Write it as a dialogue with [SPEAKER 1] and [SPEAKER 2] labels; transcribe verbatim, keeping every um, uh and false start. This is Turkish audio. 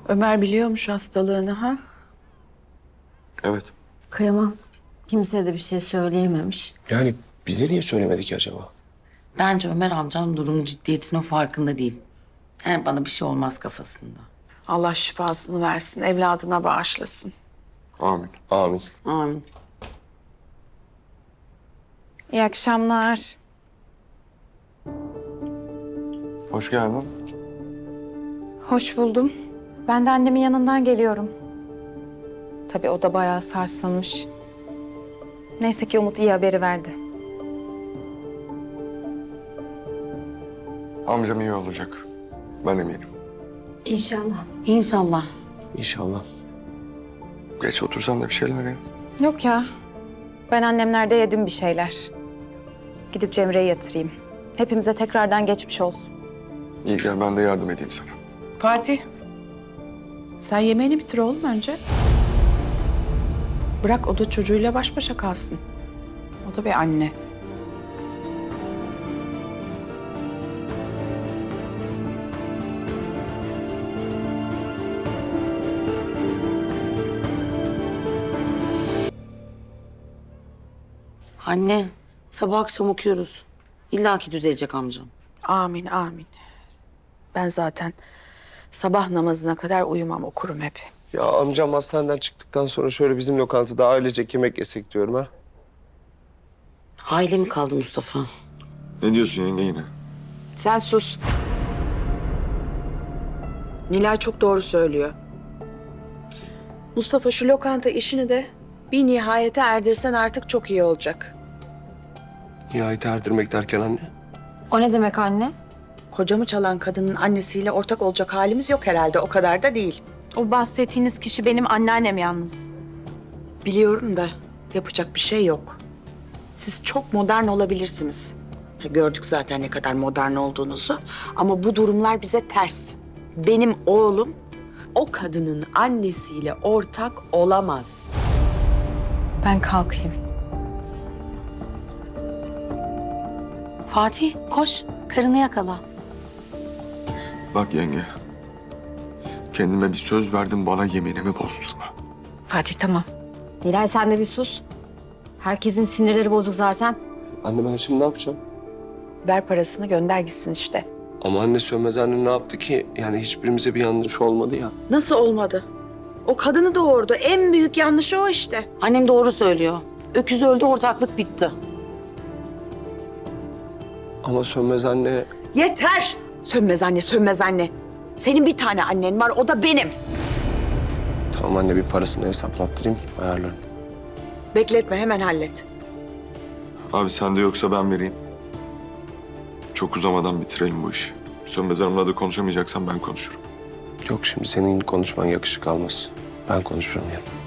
[SPEAKER 1] Ömer biliyormuş hastalığını ha?
[SPEAKER 2] Evet.
[SPEAKER 3] Kıyamam. Kimseye de bir şey söyleyememiş.
[SPEAKER 2] Yani bize niye söylemedi ki acaba?
[SPEAKER 4] Bence Ömer amcam durumun ciddiyetinin farkında değil. Yani bana bir şey olmaz kafasında.
[SPEAKER 1] Allah şifasını versin, evladına bağışlasın.
[SPEAKER 2] Amin. Amin.
[SPEAKER 4] Amin.
[SPEAKER 1] İyi akşamlar.
[SPEAKER 2] Hoş geldin.
[SPEAKER 5] Hoş buldum. Ben de annemin yanından geliyorum. Tabii o da bayağı sarsılmış. Neyse ki Umut iyi haberi verdi.
[SPEAKER 2] Amcam iyi olacak. Ben eminim.
[SPEAKER 3] İnşallah.
[SPEAKER 4] İnşallah.
[SPEAKER 2] İnşallah. Geç otursan da bir şeyler ya.
[SPEAKER 5] Yok ya. Ben annemlerde yedim bir şeyler. Gidip Cemre'yi yatırayım. Hepimize tekrardan geçmiş olsun.
[SPEAKER 2] İyi gel ben de yardım edeyim sana.
[SPEAKER 1] Fatih, sen yemeğini bitir oğlum önce. Bırak o da çocuğuyla baş başa kalsın. O da bir anne.
[SPEAKER 4] Anne, sabah akşam okuyoruz. İlla ki düzelecek amcam.
[SPEAKER 1] Amin, amin. Ben zaten sabah namazına kadar uyumam, okurum hep.
[SPEAKER 6] Ya amcam hastaneden çıktıktan sonra şöyle bizim lokantada ailecek yemek yesek diyorum ha.
[SPEAKER 4] Aile mi kaldı Mustafa?
[SPEAKER 2] Ne diyorsun yenge yine?
[SPEAKER 1] Sen sus. Nilay çok doğru söylüyor. Mustafa şu lokanta işini de bir nihayete erdirsen artık çok iyi olacak.
[SPEAKER 6] Nihayet erdirmek derken anne.
[SPEAKER 3] O ne demek anne?
[SPEAKER 1] Kocamı çalan kadının annesiyle ortak olacak halimiz yok herhalde. O kadar da değil.
[SPEAKER 5] O bahsettiğiniz kişi benim anneannem yalnız.
[SPEAKER 1] Biliyorum da yapacak bir şey yok. Siz çok modern olabilirsiniz. Ha, gördük zaten ne kadar modern olduğunuzu. Ama bu durumlar bize ters. Benim oğlum o kadının annesiyle ortak olamaz.
[SPEAKER 5] Ben kalkayım.
[SPEAKER 4] Fatih, koş. Karını yakala.
[SPEAKER 2] Bak yenge. Kendime bir söz verdim bana yeminimi bozdurma.
[SPEAKER 1] Fatih tamam.
[SPEAKER 3] Nilay sen de bir sus. Herkesin sinirleri bozuk zaten.
[SPEAKER 6] Anne ben şimdi ne yapacağım?
[SPEAKER 1] Ver parasını gönder gitsin işte.
[SPEAKER 6] Ama anne Sönmez anne ne yaptı ki? Yani hiçbirimize bir yanlış olmadı ya.
[SPEAKER 1] Nasıl olmadı? O kadını doğurdu. En büyük yanlışı o işte.
[SPEAKER 4] Annem doğru söylüyor. Öküz öldü, ortaklık bitti.
[SPEAKER 6] Ama Sönmez anne...
[SPEAKER 1] Yeter! Sönmez anne, sönmez anne. Senin bir tane annen var, o da benim.
[SPEAKER 6] Tamam anne bir parasını hesaplattırayım, ayarlarım.
[SPEAKER 1] Bekletme, hemen hallet.
[SPEAKER 2] Abi sende yoksa ben vereyim. Çok uzamadan bitirelim bu işi. Sönmez Hanım'la da konuşamayacaksan ben konuşurum.
[SPEAKER 6] Yok şimdi senin konuşman yakışık almaz. Ben konuşurum ya.